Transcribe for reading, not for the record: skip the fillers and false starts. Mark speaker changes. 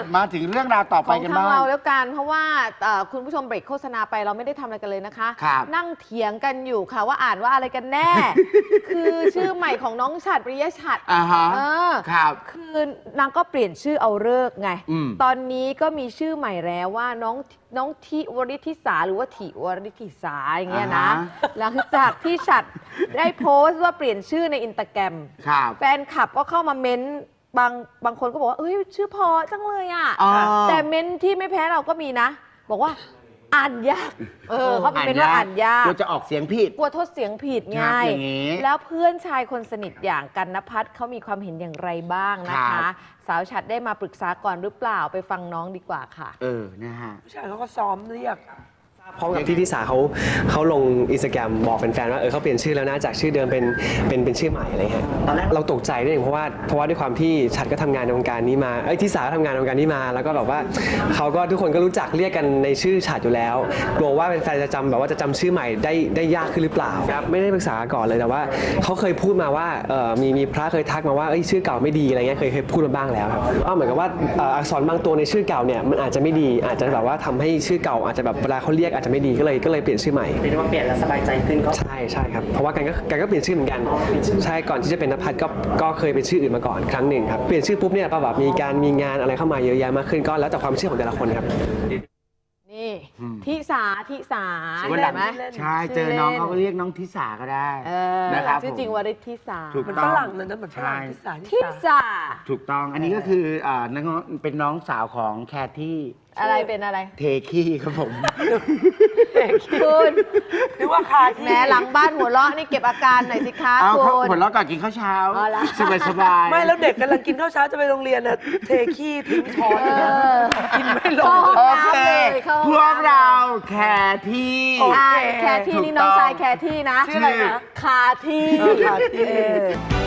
Speaker 1: มาถึงเรื่องราวต่อไปกันบ้าง
Speaker 2: ของทางเราแล้วกันเพราะว่าคุณผู้ชมเบรกโฆษณาไปเราไม่ได้ทำอะไรกันเลยนะคะนั่งเถียงกันอยู่ค่ะว่าอ่านว่าอะไรกันแน่ คือชื่อใหม่ของน้องฉัตร ปริยฉัตร
Speaker 1: ครับ
Speaker 2: คือนางก็เปลี่ยนชื่อเอาฤกษ์ไงตอนนี้ก็มีชื่อใหม่แล้วว่าน้องทิวริธิสาหรือว่าถิวริธิสาอย่างเงี้ยนะหลังจากที่ฉัตรได้โพสต์ว่าเปลี่ยนชื่อในอินสตาแกรมแฟนคลับก็เข้ามาเม้นบางคนก็บอกว่าเอ้ยชื่อพอจังเลยอ่ะแต่เม้นที่ไม่แพ้เราก็มีนะบอกว่าอ่านยากเขาเป็นว่าอ่านยาก
Speaker 1: กลัวจะออกเสียงผิด
Speaker 2: กลัวทดเสียงผิดไงแล้วเพื่อนชายคนสนิทอย่างกันณภัทรเขามีความเห็นอย่างไรบ้างนะคะสาวฉัตรได้มาปรึกษาก่อนหรือเปล่าไปฟังน้องดีกว่าค่ะ
Speaker 1: นะฮะ
Speaker 3: ผู้ชายเขาก็ซ้อมเรียก
Speaker 4: พร้อมกับที่ทิสาเขาลงอินสตาแกรมบอกแฟนๆว่าเขาเปลี่ยนชื่อแล้วนะจากชื่อเดิมเป็นชื่อใหม่อะไรเงี้ยตอนแรกเราตกใจด้วยเพราะว่าด้วยความที่ฉัตรก็ทำงานในวงการนี้มาทิสาก็ทำงานในวงการนี้มาแล้วก็แบบว่าเขาก็ทุกคนก็รู้จักเรียกกันในชื่อฉัตรอยู่แล้วกลัวว่าแฟนๆจะจำแบบว่าจะจำชื่อใหม่ได้ยากขึ้นหรือเปล่าครับไม่ได้ปรึกษาก่อนเลยแต่ว่าเขาเคยพูดมาว่ามีพระเคยทักมาว่าชื่อเก่าไม่ดีอะไรเงี้ยเคยพูดมาบ้างแล้วครับเหมือนกับว่าอักษรบางตัวในชื่อเก่าเนี่ยมันอาจจะไม่ดีอาจจะแบบว่าทำให้ชื่อเก่าอาจจะแบบเวลาเขาเรียกอาจจะไม่ดีก็เลยเปลี่ยนชื่อใหม่เป็นว่าเปลี่ยนแล้วสบายใจขึ้นก็ใช่ครับเพราะว่ากันก็เปลี่ยนชื่อเหมือนกันใช่ก่อนที่จะเป็นณภัทรก็เคยเป็นชื่ออื่นมาก่อนครั้งหนึ่งครับเปลี่ยนชื่อปุ๊บเนี่ยก็แบบมีงานอะไรเข้ามาเยอะแยะมากขึ้นก็แล้วแต่ความเชื่อของแต่ละคนครับ
Speaker 2: นี่ทิสา
Speaker 1: วันหลังใช่เจอน้องเขาก็เรียกน้องทิสาก็ได้นะครับ
Speaker 2: ชื่อจริงวริธิสา
Speaker 3: เหมือนฝรั่งเลยนะเหมือนฝรั่ง
Speaker 2: ทิสา
Speaker 1: ถูกต้องอันนี้ก็คือเป็นน้องสาวของแคที่
Speaker 2: อะไรเป็นอะไร
Speaker 1: เทคี้ครับผม
Speaker 2: คุณ
Speaker 3: หรือว่าคาที่
Speaker 2: แม้หลังบ้านหัวเราะนี่เก็บอาการหน่อยสิคะคุณ
Speaker 1: หัวเราะก่อนกินข้าวเช้าสบาย
Speaker 3: ไม่แล้วเด็กกำลังกินข้าวเช้าจะไปโรงเรียนน่ะเทขี้ทิ้งช้อนกินไม่ลง
Speaker 1: โอเคพวกเราแคที่
Speaker 2: แคที่นี่น้องชายแคที่นะ
Speaker 3: ชื่ออะไรนะ
Speaker 2: คาที่